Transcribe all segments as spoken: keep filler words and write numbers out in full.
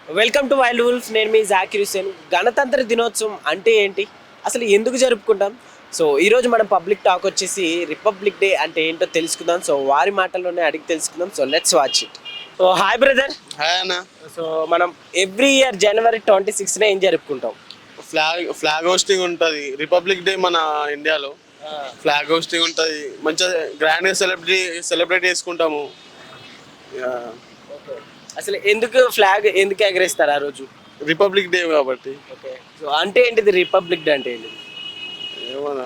Welcome to wild wolf. నేను మీ జాకిర్ హుసేన్. గణతంత్ర దినోత్సవం అంటే ఏంటి, అసలు ఎందుకు జరుపుకుంటాం? సో ఈరోజు మనం పబ్లిక్ టాక్ వచ్చేసి రిపబ్లిక్ డే అంటే ఏంటో తెలుసుకుందాం. సో వారి మాటల్లోనే అడిగి తెలుసుకుందాం. So let's watch it. So hi brother. Hi అన్న. సో మనం ఎవ్రీ ఇయర్ జనవరి ట్వంటీ సిక్స్న ఏం జరుపుకుంటాం? ఫ్లాగ్ ఫ్లాగ్ హోస్టింగ్ ఉంటుంది. రిపబ్లిక్ డే మన ఇండియాలో ఫ్లాగ్ హోస్టింగ్ ఉంటుంది. మంచిగా గ్రాండ్గా సెలబ్రేట్ సెలబ్రేట్ చేసుకుంటాము. అసలు ఎందుకు ఫ్లాగ్ ఎందుకు ఎగరేస్తారు ఆ రోజు? రిపబ్లిక్ డే కాబట్టి. ఓకే, సో అంటే ఏంటిది రిపబ్లిక్ డే అంటే ఏంటిది? ఏమన్నా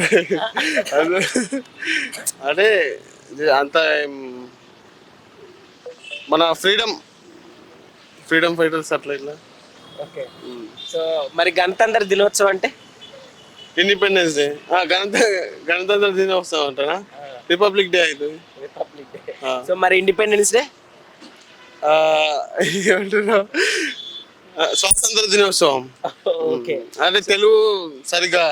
అదే అంత మన ఫ్రీడమ్ ఫ్రీడమ్ ఫైటర్స్ అట్లా ఇట్లా. ఓకే, సో మరి గణతంత్ర దినోత్సవం అంటే? Independence day. గణత గణతంత్ర దినోత్సవం అంటారా? రిపబ్లిక్ డే అవుతుంది. Republic day. సో మరి ఇండిపెండెన్స్ డే ఏమంటున్నావు? స్వాతంత్ర దినోత్సవం. ఓకే, అంటే తెలుగు సరిగా.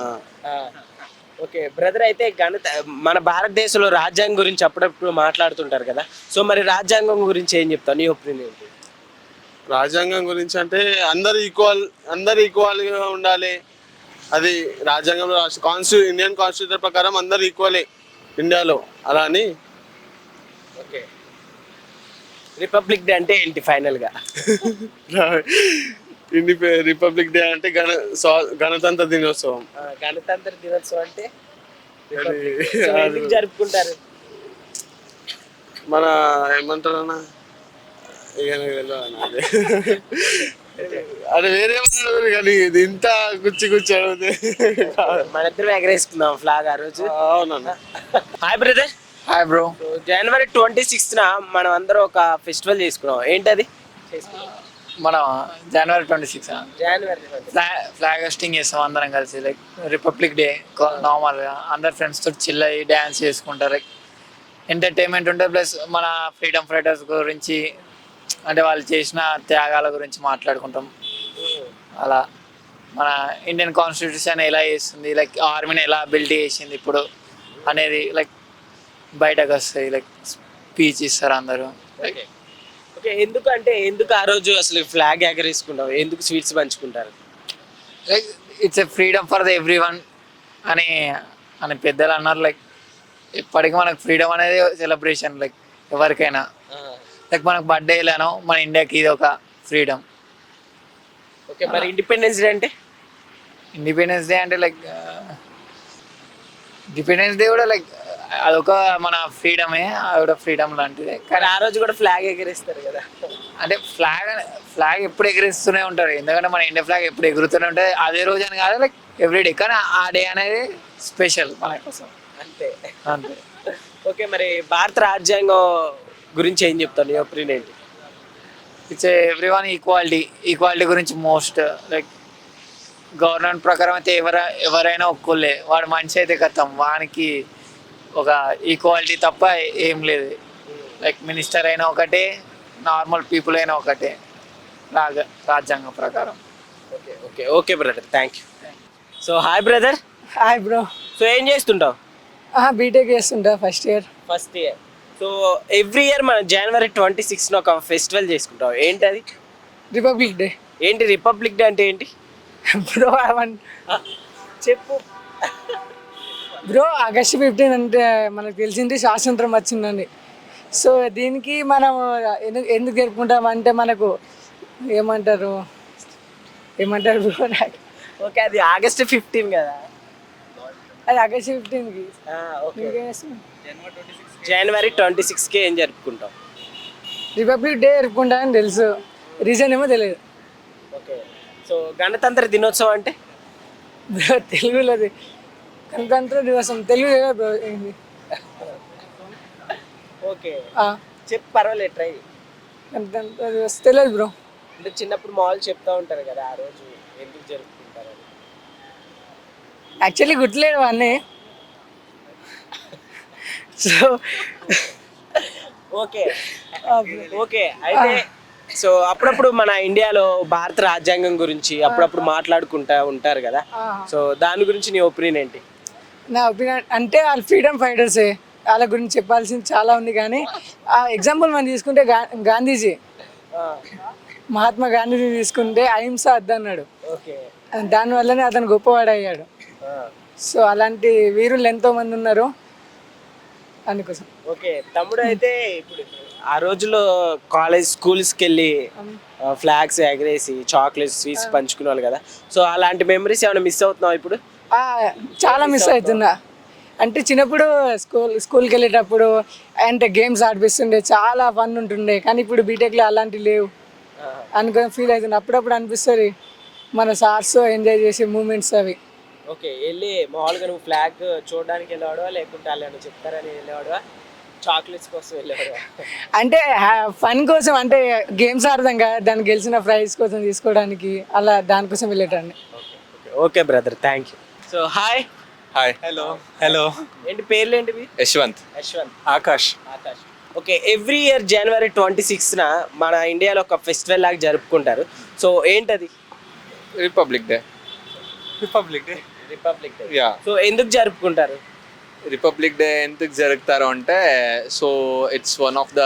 ఓకే బ్రదర్, అయితే గణత మన భారతదేశంలో రాజ్యాంగం గురించి అప్పుడప్పుడు మాట్లాడుతుంటారు కదా. సో మరి రాజ్యాంగం గురించి ఏం చెప్తావు, నీ ఒపీనియన్ ఏంటి? రాజ్యాంగం గురించి అంటే అందరు ఈక్వల్ అందరు ఈక్వల్గా ఉండాలి. అది రాజ్యాంగంలో కాన్స్టిట్యూ ఇండియన్ కాన్స్టిట్యూషన్ ప్రకారం అందరు ఈక్వలే ఇండియాలో. అలా అని. ఓకే, రిపబ్లిక్ డే అంటే ఏంటి ఫైనల్గా? ఇండిపె రిపబ్లిక్ డే అంటే గణ స్వా- గణతంత్ర దినోత్సవం. గణతంత్ర దినోత్సవం అంటే ఎందుకు జరుపుకుంటారు? మన ఏమంటారు అన్న, ఇక నాకు తెలియదు అన్న అది. అది వేరే వాళ్ళు కానీ ఇది ఇంత గుచ్చి గుచ్చి అడిగితే మన ఇద్దరం ఎగరేసుకుందాం ఫ్లాగ్ ఆ రోజు. అవునన్నా. Hi brother. Hi bro. జనవరి ట్వంటీ సిక్స్త్న మనం అందరం ఒక ఫెస్టివల్ చేసుకున్నాం. ఏంటది? మనం జనవరి ట్వంటీ సిక్స్ జనవరి ఫ్లాగ్ ఫ్లాగ్ హోస్టింగ్ చేస్తాం అందరం కలిసి. లైక్ రిపబ్లిక్ డే నార్మల్గా అందరు ఫ్రెండ్స్ తోటి చిల్ అయ్యి డ్యాన్స్ చేసుకుంటారు. లైక్ ఎంటర్టైన్మెంట్ ఉంటుంది. ప్లస్ మన ఫ్రీడమ్ ఫైటర్స్ గురించి అంటే వాళ్ళు చేసిన త్యాగాల గురించి మాట్లాడుకుంటాం. అలా మన ఇండియన్ కాన్స్టిట్యూషన్ ఎలా చేస్తుంది, లైక్ ఆర్మీని ఎలా బిల్డ్ చేసింది ఇప్పుడు అనేది లైక్ బయటకు వస్తాయి. లైక్ స్పీచ్ ఇస్తారు అందరూ. ఓకే ఓకే ఎందుకు అంటే ఎందుకు ఆ రోజు అసలు ఫ్లాగ్ ఎగరేసుకుంటాం, ఎందుకు స్వీట్స్ పంచుకుంటారు? Like it's a freedom for the everyone అని అని పెద్దలు అన్నారు. లైక్ ఇప్పటికీ మనకు ఫ్రీడమ్ అనేది సెలబ్రేషన్. లైక్ ఎవరికైనా లైక్ మనకు బర్త్డేలను మన ఇండియాకి ఇది ఒక ఫ్రీడమ్. ఓకే, మరి ఇండిపెండెన్స్ డే అంటే? ఇండిపెండెన్స్ డే అంటే లైక్ ఇండిపెండెన్స్ డే కూడా లైక్ అదొక మన ఫ్రీడమే, అది కూడా ఫ్రీడమ్ లాంటిదే. కానీ ఆ రోజు కూడా ఫ్లాగ్ ఎగరేస్తారు కదా. అంటే ఫ్లాగ్ ఫ్లాగ్ ఎప్పుడు ఎగరేస్తూనే ఉంటారు, ఎందుకంటే మన ఇండియా ఫ్లాగ్ ఎప్పుడు ఎగురుతూనే ఉంటుంది. అదే రోజు అని కాదు, లైక్ ఎవ్రీడే. కానీ ఆ డే అనేది స్పెషల్ మన కోసం, అంతే అంతే. ఓకే, మరి భారత రాజ్యాంగం గురించి ఏం చెప్తాను, నీ ఒపీనియన్ ఏంటి? It's everyone equality equality గురించి మోస్ట్. లైక్ గవర్నమెంట్ ప్రకారం అయితే ఎవర ఎవరైనా ఒక్కళ్ళే, వాడు మనిషి అయితే కథం, వానికి ఒక ఈక్వాలిటీ తప్ప ఏం లేదు. లైక్ మినిస్టర్ అయినా ఒకటే, నార్మల్ పీపుల్ అయినా ఒకటే రాజ రాజ్యాంగం ప్రకారం. Okay okay okay brother, thank you. So hi brother. Hi bro. So ఏం చేస్తుంటావు? బీటెక్ చేస్తుంటా, first year. First year. So every year మనం జనవరి ట్వంటీ సిక్స్న ఒక ఫెస్టివల్ చేసుకుంటాం. ఏంటది? Republic day. ఏంటి రిపబ్లిక్ డే అంటే ఏంటి బ్రో చెప్పు. బ్రో ఆగస్ట్ ఫిఫ్టీన్ అంటే మనకు తెలిసింది స్వాతంత్రం వచ్చిందని. సో దీనికి మనం ఎందుకు ఎందుకు జరుపుకుంటాం అంటే మనకు ఏమంటారు ఏమంటారు బ్రో నాకు. ఓకే, అది ఆగస్ట్ ఫిఫ్టీన్ కదా. అది ఆగస్ట్ ఫిఫ్టీన్కి. ఓకే, జనవరి ట్వంటీ సిక్స్కి ఏం జరుపుకుంటాం? రిపబ్లిక్ డే జరుపుకుంటామని తెలుసు, రీజన్ ఏమో తెలియదు. ఓకే, సో గణతంత్ర దినోత్సవం అంటే? బ్రో తెలుగులోది గణతంత్ర దివసం, తెలుగు లేదా బ్రో ఏంటి? ఓకే చెప్పు, పర్వాలేదు, ట్రై. గణతంత్ర దివస్ తెలియదు బ్రో. అంటే చిన్నప్పుడు మామూలు చెప్తా ఉంటారు కదా ఆ రోజు ఎందుకు జరుపుకుంటారు అని. యాక్చువల్లీ గుర్తులేడు అన్నీ. సో ఓకే ఓకే అయితే సో అప్పుడప్పుడు మన ఇండియాలో భారత రాజ్యాంగం గురించి అప్పుడప్పుడు మాట్లాడుకుంటా ఉంటారు కదా. సో దాని గురించి నీ ఒపీనియన్ ఏంటి? నా ఒపీనియన్ అంటే వాళ్ళు ఫ్రీడమ్ ఫైటర్సే, వాళ్ళ గురించి చెప్పాల్సింది చాలా ఉంది. కానీ ఆ ఎగ్జాంపుల్ మనం తీసుకుంటే గా గాంధీజీ మహాత్మా గాంధీని తీసుకుంటే అహింస అద్దన్నాడు, ఓకే. దానివల్లనే అతను గొప్పవాడు అయ్యాడు. సో అలాంటి వీరులు ఎంతో మంది ఉన్నారు అందుకోసం. ఓకే తమ్ముడు, అయితే ఇప్పుడు ఆ రోజుల్లో కాలేజ్ స్కూల్స్కి వెళ్ళి ఫ్లాగ్స్ ఎగరేసి చాక్లెట్స్ స్వీట్స్ పంచుకునేవాళ్ళు కదా, సో అలాంటి మెమరీస్ ఏమైనా మిస్ అవుతున్నావు ఇప్పుడు? ఆ, చాలా మిస్ అవుతున్నా. అంటే చిన్నప్పుడు స్కూల్ స్కూల్కి వెళ్ళేటప్పుడు అంటే గేమ్స్ ఆడిపిస్తుండే, చాలా ఫన్ ఉంటుండే. కానీ ఇప్పుడు బీటెక్లో అలాంటివి లేవు అనుకొని ఫీల్ అవుతుంది. అప్పుడప్పుడు అనిపిస్తుంది మన సార్స్ ఎంజాయ్ చేసే మూమెంట్స్ అవి. ఓకే, వెళ్ళి మామూలుగా నువ్వు ఫ్లాగ్ చూడడానికి వెళ్ళేవాడువా, లేకుంటే వాళ్ళు చెప్తారని వెళ్ళేవాడువా, చాక్లెట్స్ కోసం వెళ్ళేవాడువా? అంటే ఫన్ కోసం, అంటే గేమ్స్ ఆడదాం కదా, దాన్ని గెలిచిన ప్రైజ్ కోసం తీసుకోవడానికి, అలా దానికోసం వెళ్ళేటండి. Okay brother, thank you. So hi. Hi. Hello hello ఏంటి పేర్లు ఏంటివి? Yashwant. Yashwant, Akash. Akash. Okay, every year జనవరి ట్వంటీ సిక్స్న మన ఇండియాలో ఒక ఫెస్టివల్ లాగా జరుపుకుంటారు. సో ఏంటది? Republic day. Republic day. Republic day. Yeah, so ఎందుకు జరుపుకుంటారు? రిపబ్లిక్ డే ఎందుకు జరుపుతారు అంటే, so it's one of the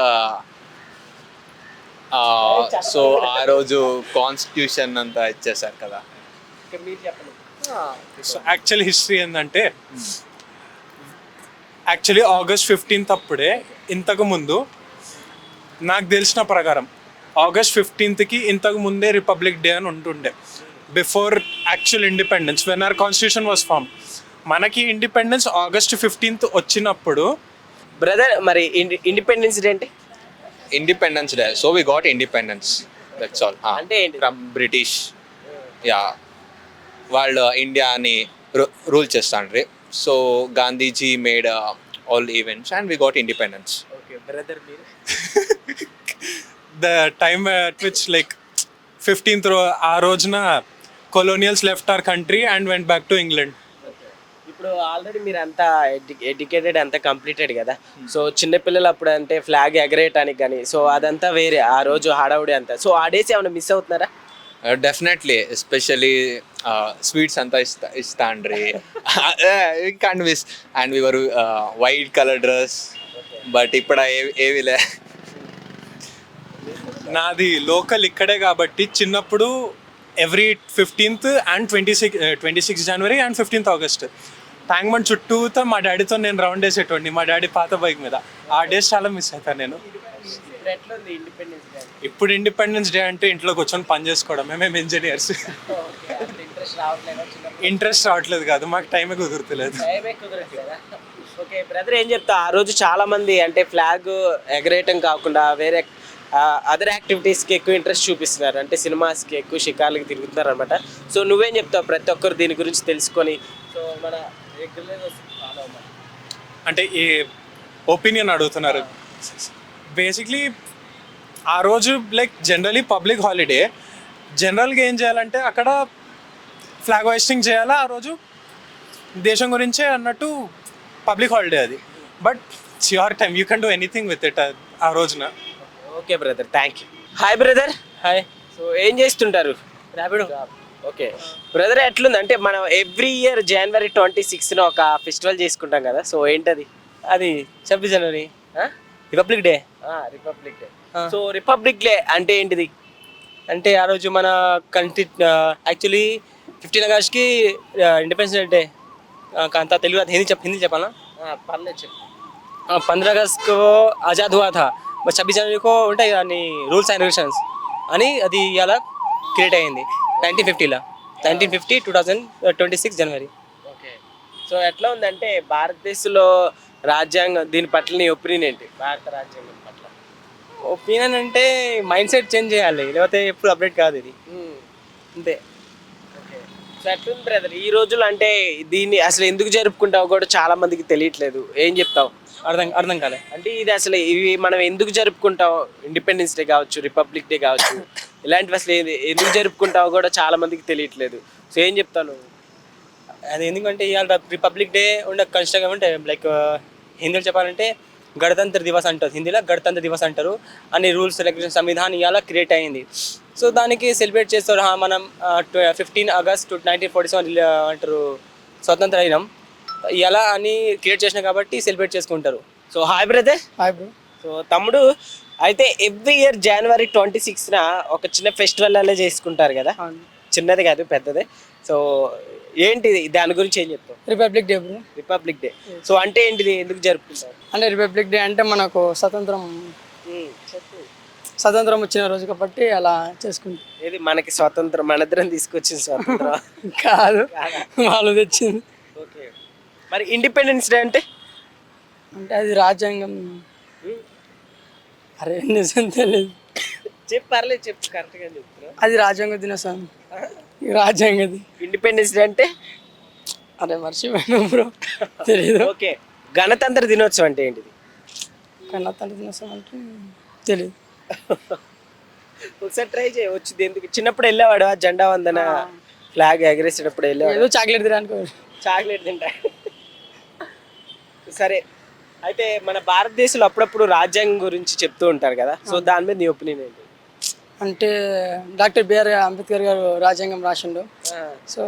so ఆ రోజు కాన్స్టిట్యూషన్ అంతా ఇచ్చేసారు కదా. ఓకే, మీరు చెప్పండి. సో యాక్చువల్ హిస్టరీ ఏంటంటే, యాక్చువల్లీ ఆగస్ట్ ఫిఫ్టీన్త్ అప్పుడే, ఇంతకు ముందు నాకు తెలిసిన ప్రకారం ఆగస్ట్ ఫిఫ్టీన్త్కి ఇంతకు ముందే రిపబ్లిక్ డే అని ఉంటుండే, before actual independence, when our constitution was form. మనకి ఇండిపెండెన్స్ ఆగస్ట్ ఫిఫ్టీన్త్ వచ్చినప్పుడు. బ్రదర్, మరి ఇండిపెండెన్స్ డే అంటే independence day, so we got independence, that's all. అంటే ఏంటి? From British. యా, వాళ్ళు ఇండియాని రూల్ చేస్తాండ్రి. So Gandhiji made all events and we got independence. Okay brother, మీరు? The time at which like fifteenth రో ఆ రోజున colonials left our country and went back to England. ఇప్పుడు ఆల్రెడీ మీరు అంతా ఎడ్యుకేటెడ్, అంతా కంప్లీటెడ్ కదా, సో చిన్నపిల్లలు అప్పుడు అంటే ఫ్లాగ్ ఎగరేయటానికి కానీ, సో అదంతా వేరే ఆ రోజు హడావుడి అంతా. సో ఆ డేస్ ఏమైనా మిస్ అవుతున్నారా? డెఫినెట్లీ, ఎస్పెషలీ స్వీట్స్ అంతా ఇస్తా ఇస్తాండ్రి can't miss. And we wear white colour dress, but ఇప్పుడు ఏ- ఏవిలే. నాది లోకల్ ఇక్కడే కాబట్టి చిన్నప్పుడు every fifteenth and twenty six twenty six January and fifteenth August Tank Bund చుట్టూతో మా డాడీతో నేను రౌండ్ వేసేటోడిని, మా డాడీ పాత బైక్ మీద. ఆ డేస్ చాలా మిస్ అవుతాను నేను. ఇప్పుడు ఎట్లా ఉంది ఇండిపెండెన్స్ డే? ఇప్పుడు ఇండిపెండెన్స్ డే అంటే ఇంట్లో కూర్చొని పని చేసుకోవడం, మేము ఇంజనీర్స్. ఓకే, అసలు ఇంట్రెస్ట్ రావట్లేదా చిన్నప్పుడు? ఇంట్రెస్ట్ రావట్లేదు కాదు, మాకు టైమే కుదురుతలేదు. టైమే కుదరట్లేదా? ఓకే బ్రదర్, ఏం చెప్తా, ఆ రోజు చాలా మంది అంటే ఫ్లాగ్ ఎగరేయటం కాకుండా వేరే అదర్ యాక్టివిటీస్కి ఎక్కువ ఇంట్రెస్ట్ చూపిస్తున్నారు, అంటే సినిమాస్కి ఎక్కువ షికార్లకి తిరుగుతున్నారు అనమాట. సో నువ్వేం చెప్తావు ప్రతి ఒక్కరు దీని గురించి తెలుసుకొని, సో మన రెగ్యులర్గా ఫాలో అవ్వాలి? అంటే ఏ ఒపీనియన్ అడుగుతున్నారు? బేసిక్లీ ఆ రోజు లైక్ జనరలీ పబ్లిక్ హాలిడే, జనరల్గా ఏం చేయాలంటే అక్కడ ఫ్లాగ్ హోయిస్టింగ్ చేయాలా ఆ రోజు, దేశం గురించే అన్నట్టు పబ్లిక్ హాలిడే అది. But it's your time, you can do anything with it ఆ రోజున. Okay brother, thank you. Hi brother. Hi. So ఏం చేస్తుంటారు? ర్యాపిడో. ఓకే బ్రదర్, ఎట్లుంది అంటే మనం ఎవ్రీ ఇయర్ జనవరి ట్వంటీ సిక్స్న ఒక ఫెస్టివల్ చేసుకుంటాం కదా, సో ఏంటది? అది ఛబ్బీస్ జనవరి republic day. Republic day. So republic day అంటే ఏంటిది? అంటే ఆ రోజు మన కంట్రీ యాక్చువల్లీ ఫిఫ్టీన్ ఆగస్ట్కి ఇండిపెండెన్స్ డే. అంతా తెలుగు హిందీ చెప్ హిందీ చెప్పాలా? పర్లేదు చెప్పు. पंद्रह अगस्त को आज़ाद हुआ था, బట్ छब्बीस जनवरी को ఉంటాయి అన్ని రూల్స్ అండ్ రెగ్యులేషన్స్ అని అది ఇలా క్రియేట్ అయ్యింది నైన్టీన్ ఫిఫ్టీలో nineteen fifty two thousand twenty six January. Okay, so ఎట్లా ఉందంటే భారతదేశంలో రాజ్యాంగం దీని పట్ల నీ ఒపీనియన్ ఏంటి? భారత రాజ్యాంగం పట్ల ఒపీనియన్ అంటే మైండ్ సెట్ చేంజ్ చేయాలి, లేకపోతే ఎప్పుడు అప్డేట్ కాదు ఇది అంతే. ఓకే, సో ఎట్లుంది బ్రదర్ ఈ రోజులు అంటే దీన్ని అసలు ఎందుకు జరుపుకుంటావు కూడా చాలా మందికి తెలియట్లేదు, ఏం చెప్తావు? అర్థం అర్థం కాలే. అంటే ఇది అసలు ఇవి మనం ఎందుకు జరుపుకుంటాం, ఇండిపెండెన్స్ డే కావచ్చు, రిపబ్లిక్ డే కావచ్చు, ఇలాంటివి అసలు ఏది- ఎందుకు జరుపుకుంటావో కూడా చాలా మందికి తెలియట్లేదు, సో ఏం చెప్తాను? అది ఎందుకంటే ఇవాళ రిపబ్లిక్ డే ఉండే కన్స్ట్రక్ట్ అంటే లైక్ హిందీలో చెప్పాలంటే గణతంత్ర దివస్ అంటారు, హిందీలో గణతంత్ర దివస్ అంటారు. అన్ని రూల్స్ రెగ్యులేషన్ సంవిధానం ఇవాళ క్రియేట్ అయ్యింది. సో దానికి సెలబ్రేట్ చేస్తారు. హా, మనం fifteen August nineteen forty seven అంటారు స్వతంత్ర అయినాం, ఇలా అని క్రియేట్ చేసినాం కాబట్టి సెలబ్రేట్ చేసుకుంటారు. So hi brother. Hi bro. So తమ్ముడు, అయితే ఎవ్రీ ఇయర్ జనవరి ట్వంటీ సిక్స్న ఒక చిన్న ఫెస్టివల్ అలా చేసుకుంటారు కదా, చిన్నది కాదు పెద్దదే. సో ఏంటిది, దాని గురించి ఏం చెప్తాం? Republic day bro. Republic day. So అంటే ఏంటిది, ఎందుకు జరుపుకుంటారు? అంటే రిపబ్లిక్ డే అంటే మనకు స్వతంత్రం స్వతంత్రం వచ్చిన రోజు కాబట్టి అలా చేసుకుంటాం. ఏది మనకి స్వాతంత్రం, మనిద్దరం తీసుకొచ్చింది స్వాతంత్రం కాదు, వాళ్ళు తెచ్చింది. ఓకే. మరి ఇండిపెండెన్స్ డే అంటే? అంటే అది రాజ్యాంగం. అరే నిజం తెలియదు. చెప్పు, పర్లేదు చెప్పు, కరెక్ట్గా చెప్తున్నా. అది రాజ్యాంగ దినోత్సవం, రాజ్యాంగది. ఇండిపెండెన్స్ డే అంటే? అరే మర్చిపోయాను బ్రో, తెలీదు. ఓకే. గణతంత్ర దినోత్సవం అంటే ఏంటిది? గణతంత్ర దినోత్సవం అంటే తెలియదు. ఒకసారి ట్రై చేయ వచ్చింది. ఎందుకు చిన్నప్పుడు వెళ్ళేవాడు ఆ జెండా వందన ఫ్లాగ్ ఎగరేసేటప్పుడు వెళ్ళేవాడు? ఏదో చాక్లెట్ తినడానికి. చాక్లెట్ తింటా. సరే, అయితే మన భారతదేశంలో అప్పుడప్పుడు రాజ్యాంగం గురించి చెప్తూ ఉంటారు కదా, సో దాని మీద నీ ఒపీనియన్ ఏంటి? అంటే డాక్టర్ బిఆర్ అంబేద్కర్ గారు రాజ్యాంగం రాసిండు. So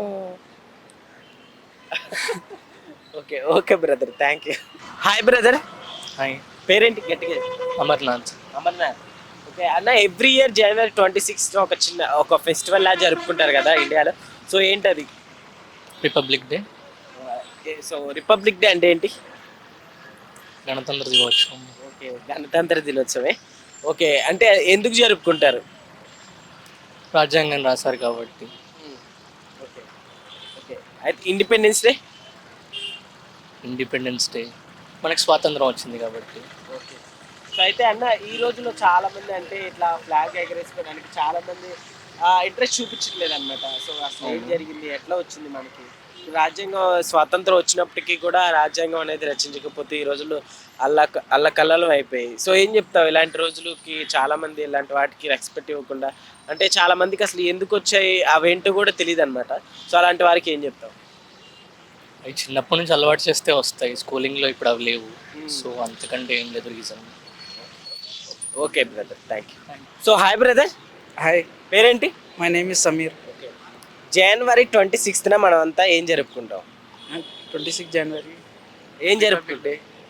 okay okay brother, thank you. Hi brother. Hi. పేరేంటి గట్టిగా? అమర్నాథ్. అమర్నాథ్. ఓకే అన్న, ఎవ్రీ ఇయర్ జనవరి ట్వంటీ సిక్స్త్ ఒక చిన్న ఒక ఫెస్టివల్ లా జరుపుకుంటారు కదా ఇండియాలో, సో ఏంటది? Republic day. So republic day అంటే ఏంటి? గణతంత్ర దినోత్సవం. ఓకే, గణతంత్ర దినోత్సవమే. ఓకే, అంటే ఎందుకు జరుపుకుంటారు? రాజ్యాంగం రాశారు కాబట్టి. Okay okay. అయితే ఇండిపెండెన్స్ డే? ఇండిపెండెన్స్ డే మనకు స్వాతంత్రం వచ్చింది కాబట్టి. ఓకే. సో అయితే అన్న, ఈ రోజుల్లో చాలా మంది అంటే ఇట్లా ఫ్లాగ్ ఎగరేసుకోవడానికి చాలా మంది ఇంట్రెస్ట్ చూపించట్లేదు అనమాట. సో అసలు ఏం జరిగింది, ఎట్లా వచ్చింది మనకి రాజ్యాంగం? స్వాతంత్రం వచ్చినప్పటికీ కూడా రాజ్యాంగం అనేది రచించకపోతే ఈ రోజుల్లో అల్ల అల్ల కల్లలం అయిపోయాయి. సో ఏం చెప్తావు ఇలాంటి రోజులకి? చాలా మంది ఇలాంటి వాటికి రెస్పెక్ట్ ఇవ్వకుండా, అంటే చాలా మందికి అసలు ఎందుకు వచ్చాయి అవేంటో కూడా తెలియదు అనమాట. సో అలాంటి వారికి ఏం చెప్తావు? అవి చిన్నప్పటి నుంచి అలవాటు చేస్తే వస్తాయి, స్కూలింగ్లో ఇప్పుడు అవి లేవు. సో అంతకంటే ఏం లేదు reason. Okay brother, thank you. So hi brother. Hi, పేరేంటి? My name is Sameer. Okay. జనవరి ట్వంటీ సిక్స్త్న మనం అంతా ఏం జరుపుకుంటాం? ट्वेंटी सिक्स जनवरी ఏం జరుపుకుంటే?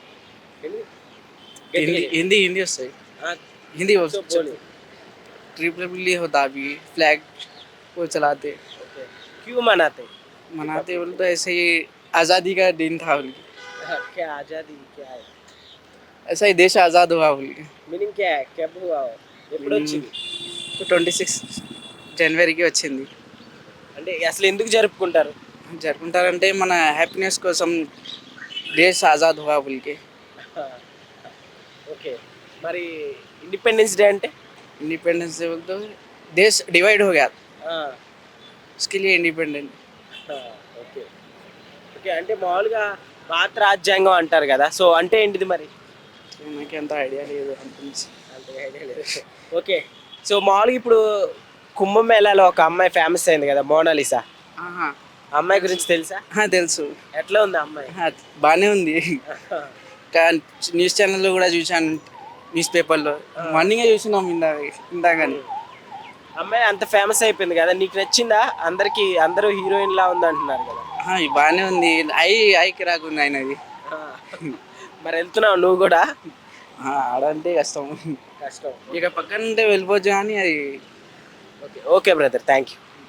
हिंदी हिंदी हिंदी वస్తాయి हिंदी रिपब्लिक होता भी फ्लैग वो चलाते क्यों मनाते? मनाते बोले तो ऐसे ही आज़ादी का दिन था बोल के, क्या आजादी क्या है? ऐसा ही देश आज़ाद हुआ बोल के. మీనింగ్ क्या है? कब हुआ? ఎప్పుడు వచ్చింది? ట్వంటీ సిక్స్ జనవరికి వచ్చింది. అంటే అసలు ఎందుకు జరుపుకుంటారు? జరుపుకుంటారంటే మన హ్యాపీనెస్ కోసం దేశ్ ఆజాద్ హువా बोल के. ఓకే. మరి ఇండిపెండెన్స్ డే అంటే? इंडिपेंडेंस डे बोलते तो देश डिवाइड हो गया, ఆ, उसके लिए इंडिपेंडेंट. ఆ, ఓకే ఓకే. అంటే మామూలుగా భారత రాజ్యాంగం అంటారు కదా, సో అంటే ఏంటిది మరి? నాకు అంత ఐడియా లేదు అంత. అంతగా ఐడియా లేదు. ఓకే. సో మామూలుగా ఇప్పుడు కుంభమేళాలో ఒక అమ్మాయి ఫేమస్ అయింది కదా, మోనాలిసా. ఆహా, ఆ అమ్మాయి గురించి తెలుసా? ఆ, తెలుసు. ఎట్లా ఉంది ఆ అమ్మాయి? ఆ, బాగానే ఉంది. కా- న్యూస్ ఛానల్లో కూడా చూశాను, న్యూస్ పేపర్లో మార్నింగే చూసినాం ఇందాక ఇందాకని. అమ్మాయి అంత ఫేమస్ అయిపోయింది కదా, నీకు నచ్చిందా? అందరికి అందరూ హీరోయిన్ లా ఉంది అంటున్నారు కదా. ఆ, బాగానే ఉంది. ఐ ఐకి రాకుంది ఆయనది. ఆ, మరి వెళ్తున్నావు నువ్వు కూడా? ఆ, ఆడంటే కష్టం. కష్టం. ఇక పక్కన ఉంటే వెళ్ళిపోవచ్చు కానీ అది okay okay brother, thank you.